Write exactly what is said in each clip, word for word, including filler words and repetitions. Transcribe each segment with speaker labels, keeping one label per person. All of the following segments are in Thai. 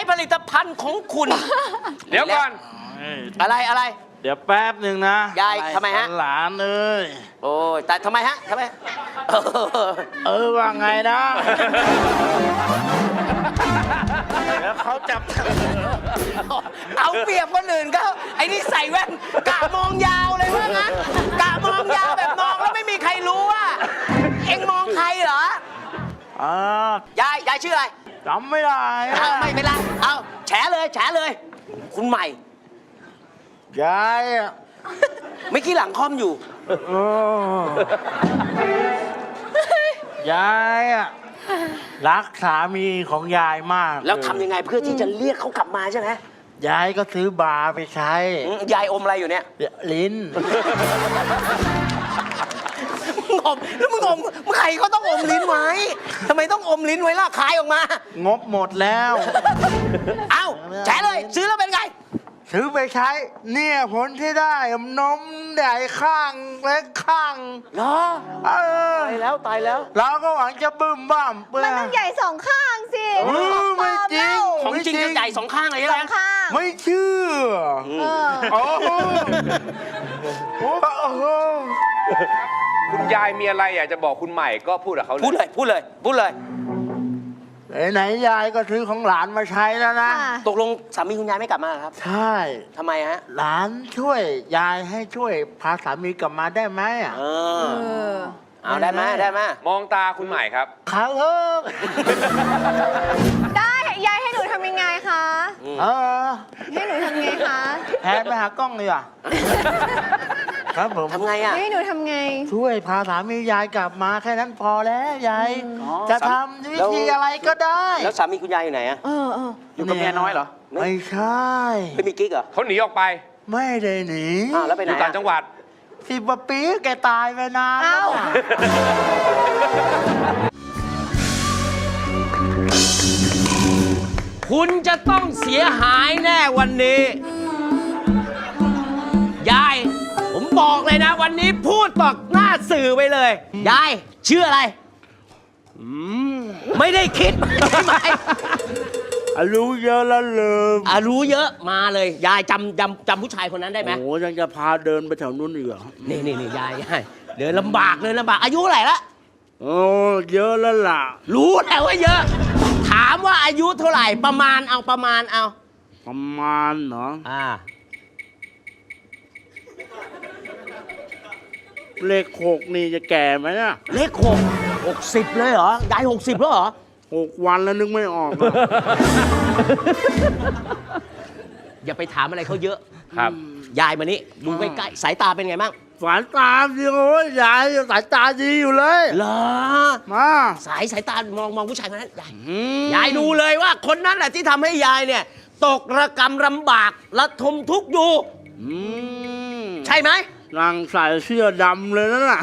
Speaker 1: ผลิตภัณฑ์ของคุณ
Speaker 2: เดี๋ยวก่อน
Speaker 1: อะไรอะไร
Speaker 3: เดี๋ยวแป๊บหนึ่งนะ
Speaker 1: ยายทำไมฮะ
Speaker 3: หลานเอ้ย
Speaker 1: โอ้ยแต่ทำไมฮะทำไมเออ
Speaker 3: เออว่าไงนะแล้วเขาจับ
Speaker 1: เอาเปรียบคนอื่นก็ไอ้นี่ใส่แว่นกะมองยาวเลยว่างั้นกะมองยาวแบบมองแล้วไม่มีใครรู้ว่าเอ็งมองใครเหรอ
Speaker 3: อ่าย
Speaker 1: ายยายชื่ออะไร
Speaker 3: จำไม่ได้อะ
Speaker 1: เอาไม่เป็นไรเอาแฉเลยแฉเลย คุณใหม่
Speaker 3: ยายอะ
Speaker 1: ไม่กี้หลังคอมอยู่
Speaker 3: เออยายอะรักสามีของยายมาก
Speaker 1: แล้วทำยังไงเพื่อที่จะเรียกเขากลับมาใช่ไหม
Speaker 3: ยายก็ซื้อบาร์ไปใช้
Speaker 1: อืมยายอมอะไรอยู่เนี่ย
Speaker 3: ลิ้น
Speaker 1: มึงอมแล้วมึงอมใครก็ต้องอมลิ้นไว้ทำไมต้องอมลิ้นไว้ล่ะคายออกมา
Speaker 3: งบหมดแล้ว
Speaker 1: เอ้าแฉเลยซื้อแล้วเป็นไง
Speaker 3: ซื้อไปใช้ เนี่ยผลที่ได้นมใหญ่ข้างเล็กข้าง
Speaker 1: เหรอ
Speaker 3: เออ
Speaker 1: ตายแล้วตายแล้ว
Speaker 3: เราก็หวังจะบึ้มบ้ามเปื่
Speaker 4: มันต้องใหญ่สองข้างสิ
Speaker 3: เออไม่จริง
Speaker 1: ของจริงจะใหญ่สองข้างเลย
Speaker 4: ส
Speaker 1: ใช่
Speaker 4: อ
Speaker 1: ไหม
Speaker 4: งข้าง
Speaker 3: ไม่เชื่อ
Speaker 4: เออ
Speaker 3: โอ้โหโอ้โห
Speaker 2: คุณยายมีอะไรอยากจะบอกคุณใหม่ก็พูดกับเขา
Speaker 1: พูด
Speaker 2: เล
Speaker 1: เลย ยพูดเลยพูดเลย
Speaker 3: ไหนๆยายก็ซื้อของหลานมาใช้แล้วนะ
Speaker 4: ค่ะ
Speaker 1: ตกลงสามีคุณยายไม่กลับมาเหรอครับ
Speaker 3: ใช่
Speaker 1: ทำไมฮะ
Speaker 3: หลานช่วยยายให้ช่วยพาสามีกลับมาได้ไหมอ่ะ
Speaker 1: เอ
Speaker 4: เอ
Speaker 1: อ
Speaker 4: อ
Speaker 1: เอาได้ไหมได้ไหม
Speaker 2: มองตาคุณใหม่ครับ
Speaker 3: ครับเออ
Speaker 4: ได้ยายให้หนูทำยังไงคะ
Speaker 3: เออ
Speaker 4: ให้หนูทำไงคะ
Speaker 3: แทนไปหากล้องเลยอ่ะครับผม
Speaker 1: ทำไงอ่ะ
Speaker 4: ให้หนูทำไง
Speaker 3: ช่วยพาสามียายกลับมาแค่นั้นพอแล้วยาย
Speaker 1: อ๋อ
Speaker 3: จะทำวิธีอะไรก็ได้
Speaker 1: แล้วสามีคุณยายอยู่ไหนอ่ะ
Speaker 4: เออเออ
Speaker 2: อยู่กับเมียน้อยเหรอ
Speaker 3: ไม่ใช่
Speaker 1: ไม่มีกิ๊กเหรอ
Speaker 2: เขาหนีออกไป
Speaker 3: ไม่ได้หนี
Speaker 1: อ้าวแล้วไป
Speaker 2: อ
Speaker 1: ไหน
Speaker 2: ยู่ต่าง
Speaker 1: อะ
Speaker 2: จังหวัด
Speaker 3: สิบกว่าปีแกตายไปนานแล้
Speaker 4: เอ้าว
Speaker 3: อะ
Speaker 1: คุณจะต้องเสียหายแน่วันนี้ ยาย ผมบอกเลยนะ วันนี้พูดต่อหน้าสื่อไปเลย ยายชื่ออะไรไม่ได้คิดใช่ไหม
Speaker 3: อ่ะรู้เยอะแล้วลืม
Speaker 1: อ่ะรู้เยอะมาเลย ยายจำจำจำผู้ชายคนนั้นได้ไหม
Speaker 3: โอ้ยังจะพาเดินไปแถวนู้นอีกเหรอ
Speaker 1: นี่นี่นี่ยายยายเดินลำบากเดินลำบากอายุเท่าไหร่ละ
Speaker 3: โอ้เยอะแล้วล่ะ
Speaker 1: รู้แล้วว่าเยอะ ถามว่าอายุเท่าไหร่ประมาณเอาประมาณเอา
Speaker 3: ประมาณเนาะ
Speaker 1: อ่า
Speaker 3: เลขหกนี่จะแก่ไหมเนี่ย
Speaker 1: เลขหกหกสิบเลยเหรอยายหกสิบแล้วเหรอ
Speaker 3: หกวันแล้วนึกไม่ออกอะ
Speaker 1: อย่าไปถามอะไรเขาเยอะ
Speaker 2: ครับ
Speaker 1: ยายมานี่ดูใกล้ๆสายตาเป็นไงบ้าง
Speaker 3: สายตาดีโอ้ยยายสายตาดีอยู่เลย
Speaker 1: เหรอ
Speaker 3: มา
Speaker 1: สายสายตามองมองผู้ชายคนนั้นยาย
Speaker 3: อืม
Speaker 1: ยายดูเลยว่าคนนั้นแหละที่ทำให้ยายเนี่ย ตกระกำลำบากระทมทุกข์อยู่
Speaker 3: อืม
Speaker 1: ใช่ไหม
Speaker 3: นั่งใส่เสื้อดำเลยนั่นน่ะ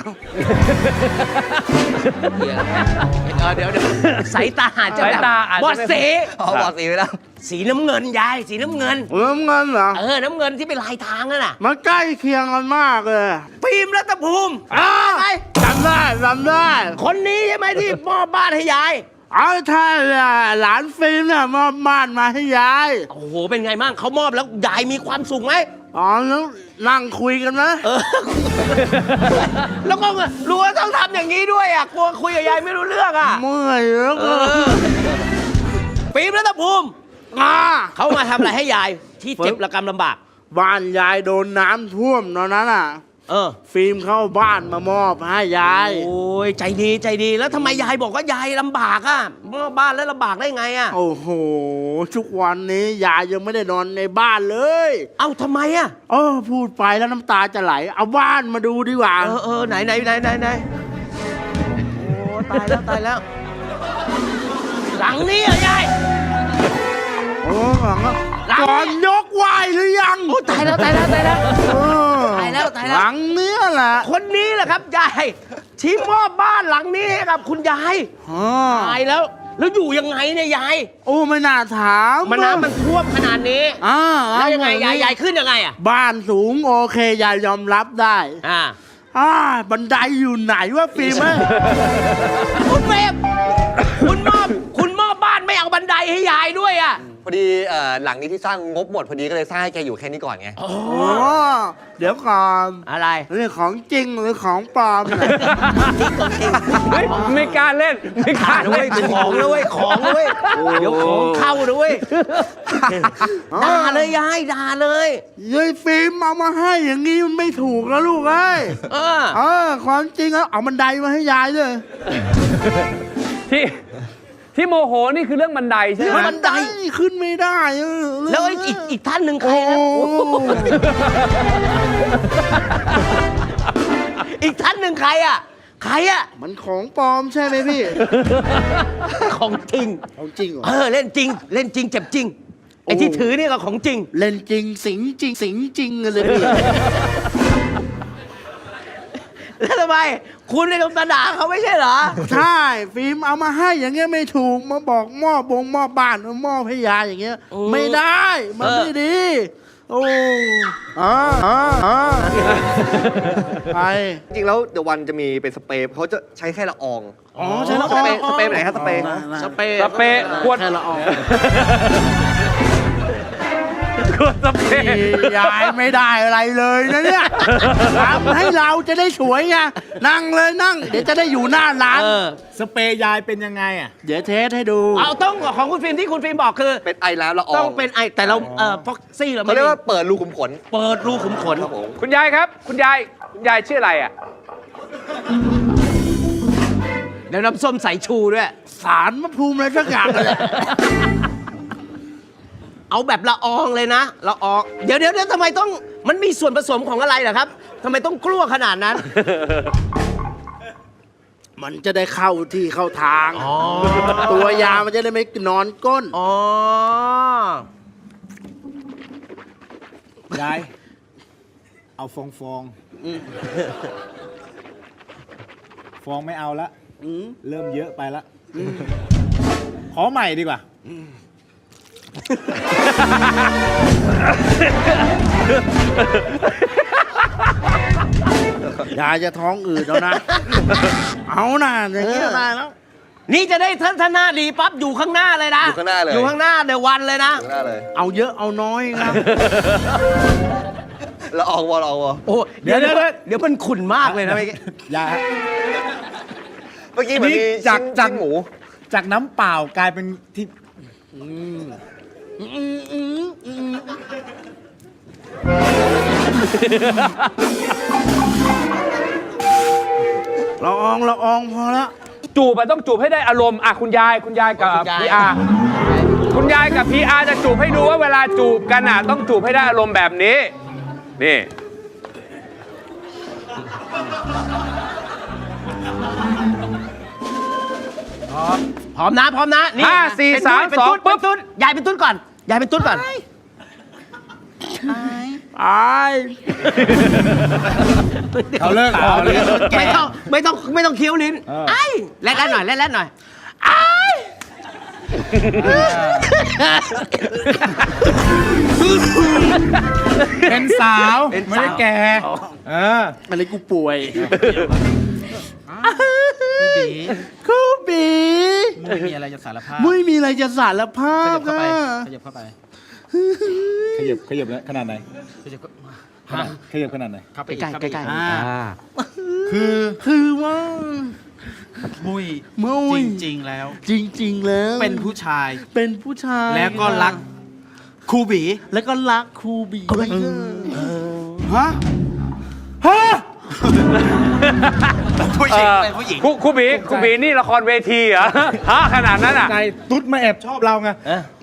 Speaker 1: เดี๋ยวเดี๋ยวสายตาอาจจะ
Speaker 2: สายตาอาจจะ
Speaker 1: บอดสี
Speaker 5: อ๋อบอดสีไปแล้ว
Speaker 1: สีน้ำเงินยายสีน้ำเงิน
Speaker 3: เริ่มเงินเหรอ
Speaker 1: เออน้ำเงินที่เป็นลายทางนั่นน่ะ
Speaker 3: มันใกล้เคียงกันมากเลย
Speaker 1: ฟิล์มรัตภูมิ
Speaker 3: อ้า
Speaker 1: ใช่ไหม
Speaker 3: จำได้จำได้
Speaker 1: คนนี้ใช่ไหมที่มอบบ้านให้ยาย
Speaker 3: เอาใช่เลยหลานฟิล์มเนี่ยมอบบ้านมาให้ยาย
Speaker 1: โอ้โหเป็นไงบ้างเขามอบแล้วยายมีความสุขไหม
Speaker 3: อ๋อแล้วนั่งคุยกันนะ
Speaker 1: เออ แล้วก็รู้ว่าต้องทำอย่างนี้ด้วยอ่ะกลัวคุยกับยายไม่รู้เรื่องอ่ะ
Speaker 3: เมื่อยแล้ว
Speaker 1: เอ
Speaker 3: ก็
Speaker 1: อฟิล์มรัตภูมิ
Speaker 3: มา
Speaker 1: เขามาทำอะไรให้ยายที่เจ็บระกำลำบาก
Speaker 3: บ้านยายโดนน้ำท่วมตอนนั้นอ่ะ
Speaker 1: เออ
Speaker 3: ฟิล์มเข้าบ้านมามอบให้ยาย
Speaker 1: โอ้ยใจดีใจดีแล้วทำไมยายบอกว่ายายลำบากอ่ะมอบบ้านแล้วลำบากได้ไงอ่ะ
Speaker 3: โอ้โห ทุกวันนี้ยายยังไม่ได้นอนในบ้านเลย
Speaker 1: เอ้าทำไมอ่ะ
Speaker 3: เออพูดไปแล้วน้ำตาจะไหล เอาบ้านมาดูดีกว่า
Speaker 1: เออเออไหนไหนไหนไหนไหนโอ้ตายแล้วตายแล้ว หลังนี้เหรอยาย
Speaker 3: โอ้หลังอะ
Speaker 1: หลัง
Speaker 3: ก่อนยกไหวหรือยัง
Speaker 1: โอ้ตายแล้วตายแล้วตายแล้ว
Speaker 3: เออ
Speaker 1: ตายแล้วตายแล้ว
Speaker 3: หลังเนี้ยแหละ
Speaker 1: คนนี้แหละครับยายที่มอบบ้านหลังนี้ให้กับคุณยาย
Speaker 3: อ๋อ
Speaker 1: ตายแล้ว แล้วอยู่ยังไงเนี่ยยาย
Speaker 3: โอ้ไม่น่าถาม
Speaker 1: มันน้ำมันท่วมขนาดนี้
Speaker 3: อ่า
Speaker 1: แล้วยังไงยายยายขึ้นยังไงอ่ะ
Speaker 3: บ้านสูงโอเคยายยอมรับได้
Speaker 1: อ่า
Speaker 3: อ่าบันไดอยู่ไหนวะฟิล์มเอ้ย
Speaker 1: คุณเฟรมคุณมอบคุณมอบบ้านไม่เอาบันไดให้ยายด้วยอ่ะ
Speaker 5: พออดีเอ่อหลังนี้ที่สร้างงบหมดพอดีก็เลยสร้างให้แกอยู่แค่นี้ก่อนไง
Speaker 3: อ๋อ เดี๋ยวก่อน
Speaker 1: อะไร
Speaker 3: เรื่องของจริงหรือของปลอมเนี่ย
Speaker 2: เฮ้ยไม่กล้าเล่น ไม่กล้า
Speaker 1: ด้ว
Speaker 2: เล่
Speaker 1: ย
Speaker 2: น
Speaker 1: ของด้วยของด้วยเดี๋ยวของเข้าด้วยด่าเลยยายด่าเลย
Speaker 3: ยายฟิล์มเอามาให้อย่างนี้มันไม่ถูกแล้วลูกเอ้ย
Speaker 1: เออ
Speaker 3: เออความจริงแล้วเอาบันไดมาให้ยายด้วย
Speaker 2: ที่ที่โมโหนี่คือเรื่องบันไดใช่ไหม
Speaker 1: บันได
Speaker 3: ขึ้นไม่ได้เออ
Speaker 1: แล้วไอ้อีกอีกท่านหนึ่งใคร
Speaker 3: โอ้
Speaker 1: นะอีกท่านหนึ่งใครอ่ะใครอ่ะ
Speaker 3: มันของปลอมใช่ไหมพี่
Speaker 1: ของจริง
Speaker 3: ของจริงเหรอ
Speaker 1: เออเล่นจริง เล่นจริงเจ็บจริงไอ้ที่ถือนี่ก็ของจริง
Speaker 3: เล่นจริงสิงจริงสิงจริงเลยพี่
Speaker 1: แล้วทำไมคุณในลมตาด่าเขาไม่ใช่เหรอ
Speaker 3: ใช่ฟิล์มเอามาให้อย่างเงี้ยไม่ถูกมาบอกหม้อบงหม้อบ้านหม้อพยาอย่างเงี้ย
Speaker 1: โอ้
Speaker 3: ไม่ได้มัน
Speaker 1: เออ
Speaker 3: ไม่ดี โอ้อ่าอ่าอ่าไป
Speaker 5: จริงๆแล้วเดี๋ยววันจะมีเป็นสเปรย์เขาจะใช้แค่ละออง
Speaker 3: อ๋อใช่ละ
Speaker 5: ส
Speaker 3: ออง
Speaker 5: เปรย์สเปรย์ไปไหนครับสเปรย์
Speaker 1: สเปรย์
Speaker 2: สเปรย์ขวด
Speaker 3: แค่ละออง
Speaker 2: ขวดสเปรย์
Speaker 3: ยายไม่ได้อะไรเลยนะเนี่ยทำให้เราจะได้สวยไงนั่งเลยนั่ง เดี๋ยวจะได้อยู่หน้าร้าน
Speaker 1: เออ
Speaker 6: สเปรย์ยายเป็นยังไงอ่ะ
Speaker 3: เดี๋ยวเทสให้ดู
Speaker 1: เอาต้องของคุณฟิล์มที่คุณฟิล์มบอกคือ
Speaker 5: เป็นไอน้ำละออง
Speaker 1: ต้องเป็นไอแต่เราเออฟ็อกซี่เรา
Speaker 5: เขา
Speaker 1: ไม่
Speaker 5: เรียก
Speaker 1: มี
Speaker 5: ว่าเปิดรูขุมขน
Speaker 1: เปิดรูขุมขน
Speaker 5: ครับผม
Speaker 2: คุณยายครับ คุณยาย คุณยายชื่ออะไรอ่ะ
Speaker 1: เดี๋ยวน้ำส้มสายชูด้วย
Speaker 3: สารมะภูมิอะไรสักอย่างเลย
Speaker 1: เอาแบบละอองเลยนะละอองเดี๋ยวเดี๋ยวเดี๋ยวทำไมต้องมันมีส่วนผสมของอะไรเหรอครับทำไมต้องกลัวขนาดนั้น
Speaker 3: มันจะได้เข้าที่เข้าทาง
Speaker 1: อ๋อ
Speaker 3: ตัวยามันจะได้ไม่นอนก้น
Speaker 1: อ๋อ
Speaker 6: ยาย เอาฟองฟองฟองไม่เอาละเริ่มเยอะไปละขอใหม่ดีกว่า
Speaker 3: ยายจะท้องอืดแล้วนะ เอาหน่าอย่างนี้ก็ได้แล้ว
Speaker 1: นี่จะได้ท่านท่านหน้าดีปั๊บอยู่ข้างหน้าเลยนะ
Speaker 5: อยู่ข้างหน้าเลย
Speaker 1: อยู่ข้างหน้าเดี๋ยววันเลยนะ
Speaker 5: ข้างหน้าเลย
Speaker 3: เอาเยอะเอาน้อยนะ
Speaker 5: ละอองวอละอองวอ
Speaker 1: โอ้เดี๋ยวเดี๋ยวเดี๋ยวเดี๋ยวมันขุ่นมากเลยนะเมื่อกี้
Speaker 6: ยาย
Speaker 5: เมื่อกี้เหมือนมี
Speaker 6: จาก
Speaker 5: ชิ้น
Speaker 6: จาก
Speaker 5: ชิ้นหมู
Speaker 6: จากน้ำเปล่ากลายเป็นที่
Speaker 3: ละอองละอองพอละ
Speaker 2: จูบอะต้องจูบให้ได้อารมณ์อ่ะคุณยายคุณยายกับพีอาร์คุณยายกับพีอาร์จะจูบให้ดูว่าเวลาจูบกันอ่ะต้องจูบให้ได้อารมณ์แบบนี้ นี่
Speaker 1: พร้อมนะพร้อมนะนี่
Speaker 2: ห้าสี่
Speaker 1: เป็น
Speaker 2: สาม
Speaker 1: เป็น
Speaker 2: สอง
Speaker 1: ตุ๊ด
Speaker 2: ปุ๊บ
Speaker 1: เป็นตุ๊ดยายเป็นตุ๊ดก่อนยายเป็นตุ๊ดก่อน
Speaker 3: อาย
Speaker 6: เขาเลิกเขาเลิก
Speaker 1: ไม่ต้องไม่ต้องไม่ต้องเคี้ยวลิ้น
Speaker 6: เออ
Speaker 1: ไอ้แลดๆหน่อยแลดๆหน่อยไอ้
Speaker 6: เป็นสาว ไม่ได้แก่เออ
Speaker 3: อะไรกูป่วยคูบี
Speaker 6: ไม่มีอะไรจะสารภาพ
Speaker 3: ไม่มีอะไรจะสารภาพ
Speaker 6: ขยับเข้าไป
Speaker 3: นะ
Speaker 6: ขยับเข้าไป ขยับขยับแล้วขนาดไหนขยับขยับขนาดไหน
Speaker 1: ใกล้ๆใกล้ๆ
Speaker 6: อ่า
Speaker 1: อ่า
Speaker 6: คือ
Speaker 3: คือว่า
Speaker 6: มุ้ย
Speaker 3: มุ้ย
Speaker 6: จริง ๆ แล้ว
Speaker 3: จริง ๆ แล้ว
Speaker 6: เป็นผู้ชาย
Speaker 3: เป็นผู้ชาย
Speaker 6: แล้วก็รักครูบี
Speaker 3: แล้วก็รักครูบี
Speaker 6: ฮะ ฮะ ผู้หญิง
Speaker 2: เอ่อ
Speaker 6: เป็นผู้หญิง
Speaker 2: ครูครูบีครูบีนี่ละครเวทีเหรอฮะขนาดนั้นอ่ะ
Speaker 6: ใจตุ๊ดมาแอบชอบเราไง
Speaker 3: ฮะ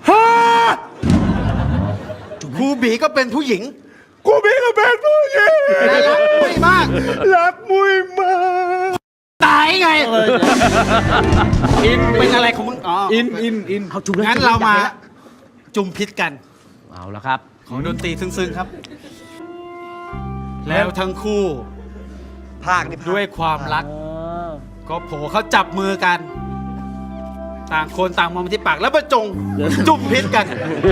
Speaker 6: ครูบีก็เป็นผู้หญิง
Speaker 3: ครูบีก็เป็นผู้หญิง
Speaker 6: และรักมุ้ยมาก
Speaker 3: รักมุ้ยมาก
Speaker 6: ตายไง อิน เป็นอะไรของมึง อ๋อ อิน อิน อิน
Speaker 1: เอาจุ่มเลย
Speaker 6: งั้น
Speaker 1: จุ่ม
Speaker 6: เรามา
Speaker 1: อยากเห็นละ
Speaker 6: จุ่มพิษกัน
Speaker 1: เอาละครับ
Speaker 6: ของดนตรีซึ้งๆครับ แล้วทั้งคู่
Speaker 5: ภาคนี่ภาค
Speaker 6: ด้วยความรัก ก็โผล่เขาจับมือกัน ต่างคนต่างมองไปที่ปาก แล้วประจง จุ่มพิษกัน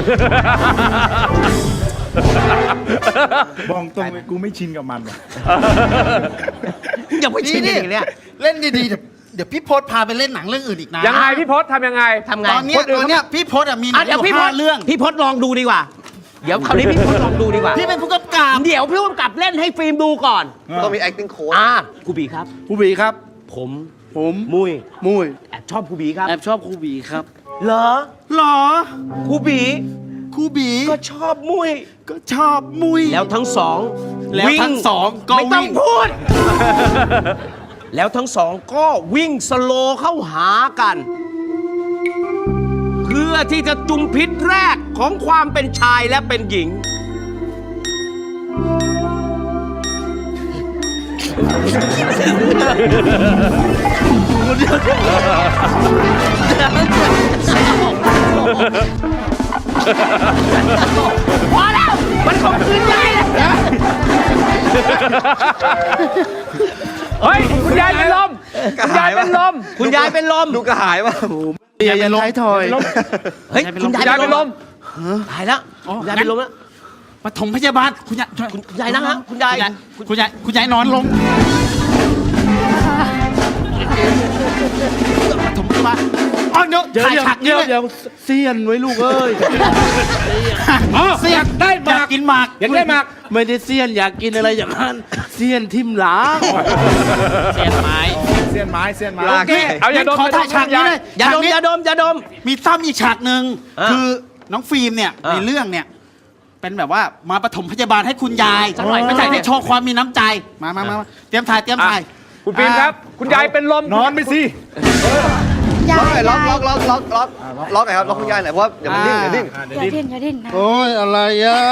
Speaker 7: บอกตรงเลยกูไม่ชินกับมันว่ะ
Speaker 1: อย่าไปชินอย่างนี้เนี่ย
Speaker 3: เล่นดีๆแต่
Speaker 6: เดี๋ยวพี่พศพาไปเล่นหนังเรื่องอื่นอีกนะ
Speaker 2: ยังไงพี่พศทำยังไง
Speaker 1: ทำไง
Speaker 6: ตอนเนี้ย
Speaker 2: คนอื่น
Speaker 6: ตอนเนี้ยพี่พศอะมีหนั
Speaker 1: อ่ะ
Speaker 6: งอ
Speaker 1: เดี๋ยว
Speaker 6: ยู่
Speaker 1: พี่พ
Speaker 6: ห้า
Speaker 1: ศ
Speaker 6: เรื่อง
Speaker 1: พี่พศลองดูดีกว่า เดี๋ยวคราวนี้พี่พศลองดูดีกว่า
Speaker 6: พี่เป็นผู้กำกับ
Speaker 1: เดี๋ยวพี่กำกับเล่นให้ฟิล์มดูก่อน
Speaker 5: ต้องมี acting coach
Speaker 1: อ่าครูบีครับ
Speaker 3: ครูบีครับ
Speaker 1: ผม
Speaker 3: ผม
Speaker 1: มุย
Speaker 3: มุย
Speaker 1: แอบชอบครูบีครับ
Speaker 3: แอบชอบครูบีครับ
Speaker 1: เหรอ
Speaker 6: หรอ
Speaker 1: ครูบี
Speaker 6: ครูบี
Speaker 1: ก็ชอบมุย
Speaker 6: ก็ชอบมุย
Speaker 1: แล้วทั้งสอง
Speaker 6: แล้วทั้งสองก็
Speaker 1: ไม่ต้อง
Speaker 6: วิ่ง
Speaker 1: พูด แล้วทั้งสองก็วิ่งสโลว์เข้าหากัน เพื่อที่จะจุมพิษแรกของความเป็นชายและเป็นหญิง พอแล้ว มันคงคืนใจแล้ว
Speaker 2: เฮ้ย คุณยายเป็นลม คุณยายเป็นลม
Speaker 1: คุณยายเป็นลม
Speaker 5: ดูกระหายว่ะ
Speaker 3: เตียยันท้ายทอย
Speaker 1: เฮ้ย คุณยาย
Speaker 2: ยายเป็
Speaker 1: เป็น น
Speaker 2: ล
Speaker 1: ล
Speaker 2: ม
Speaker 1: มตายแล้วคุณยายเป็นลมแล้ว
Speaker 6: ปฐมพยาบาลคุณยาย
Speaker 1: คุณยายนั่งฮะคุณยาย
Speaker 6: คุณยายคุณยายนอนลงปฐมพยาบาลอ๋อเดี๋ยว
Speaker 3: เดี๋ยว
Speaker 6: ถ่าย
Speaker 3: เดี๋ยว
Speaker 6: ฉาก
Speaker 3: เดี๋
Speaker 6: นี้
Speaker 3: ยว
Speaker 6: เลย
Speaker 3: เดี๋ยวเซียนไว้ลูกเอ้ย
Speaker 2: อ๋อ
Speaker 6: เสีย
Speaker 2: อยากได้หมาก
Speaker 6: อยากกินหมาก
Speaker 2: อยากได้หมาก
Speaker 3: ไม่ได้เซียนอยากกินอะไรอย่างนั้นเซียนทิมหลาง
Speaker 6: เสียนไม้
Speaker 2: เสียนไม้เสียนไม้
Speaker 5: ลาก
Speaker 2: โอเค เอาอย่าดม
Speaker 6: ขอถ่ายฉากนี้เลย
Speaker 1: อย่าดม
Speaker 6: ฉกนี้
Speaker 1: อย่าดมอย่าดม
Speaker 6: มีซ้ำอีกฉากหนึ่ง
Speaker 1: อ่ะ
Speaker 6: คือน้องฟิล์มเนี่ย
Speaker 1: อ่ะ
Speaker 6: ในเรื่องเนี่ย เป็นแบบว่ามาปฐมพยาบาลให้คุณยาย
Speaker 1: สักหน่อย
Speaker 6: ไม่ใช่ได้โชว์ความมีน้ำใจ มามามามาเตรียมถ่ายเตรียมถ่าย
Speaker 2: คุณฟิล์มครับ คุณยายเป็นลม นอนไปสิ
Speaker 5: ล็อกหน่อยล็อกล็อกล็อกล็อกล็อกล็อกหน่อยครับล็อกคุณยายหน่อยเพราะว่าเดี๋ยวมันดิ้นเดี๋ยวดิ้น
Speaker 4: อย่าดิ้นอย่าดิ้นนะ
Speaker 3: โอ้ยอะไรอ่ะ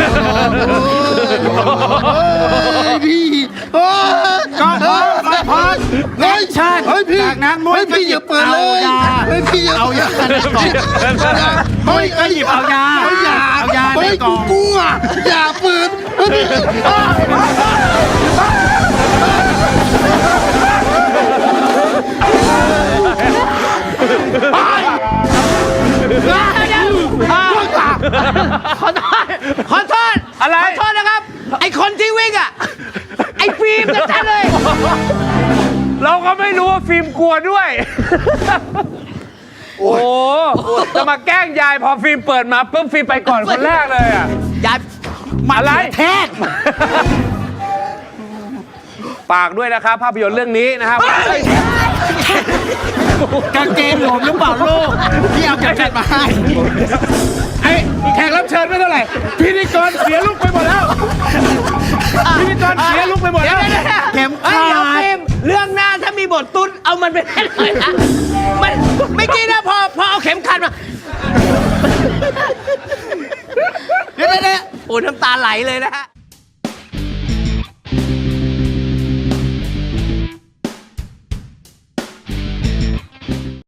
Speaker 3: โอ้ยพี่โอ้ย
Speaker 6: ก็พอพอพอ
Speaker 3: เฮ้ย
Speaker 6: ใช่
Speaker 3: เฮ้ยพี่
Speaker 6: จากนั้นมวย
Speaker 3: เฮ้ยพี่อย่าเปิดเลย
Speaker 6: เอายา
Speaker 3: เฮ้ยพี่อย่า
Speaker 6: เอายาในกล่อง
Speaker 3: เฮ้ย
Speaker 6: ก็หยิบเอายา
Speaker 3: เฮ้ยอย่า
Speaker 6: เอายาใน
Speaker 3: เฮ้ย
Speaker 6: กล่
Speaker 3: กู
Speaker 6: อง
Speaker 3: กลัวอย่าเปิดเฮ้ย
Speaker 1: ขอโทษ ขอโทษ
Speaker 2: อะไร
Speaker 1: ขอโทษนะครับ ไอคนที่วิ่งอ่ะ ไอฟิล์มจะชัดเลย
Speaker 2: เราก็ไม่รู้ว่าฟิล์มกลัวด้วย โอ้โหจะมาแกล้งยายพอฟิล์มเปิดมาปุ๊บฟิล์มไปก่อนคนแรกเลยอ่ะ
Speaker 1: ยาย
Speaker 2: อะไร
Speaker 1: แทก
Speaker 2: ฝากด้วยนะครับ ภาพยนตร์เรื่องนี้นะครับ
Speaker 6: กางเกงหลวมหรือเปล่าลูกพี่เอาเก็บเก็บมาให้
Speaker 2: ไอ้แขกรับเชิญไม่เท่าไหร่พิธีกรเสียลุกไปหมดแล้ว พิธีกรเสียลุกไปหมดแล้ว
Speaker 6: เข็ม
Speaker 1: เฮ้ย
Speaker 6: ขา
Speaker 1: เดี๋ยว
Speaker 6: ด
Speaker 1: ฟิล์มเรื่องหน้าถ้ามีบทตุ้นเอามันไปเล่นเลยนะ มันไม่อกี้นะพอพอเอาเข็มขัดมา
Speaker 6: เดี๋ยวเดี๋ยวเดี๋ยว
Speaker 1: โอ้น้ำตาไหลเลยนะฮะ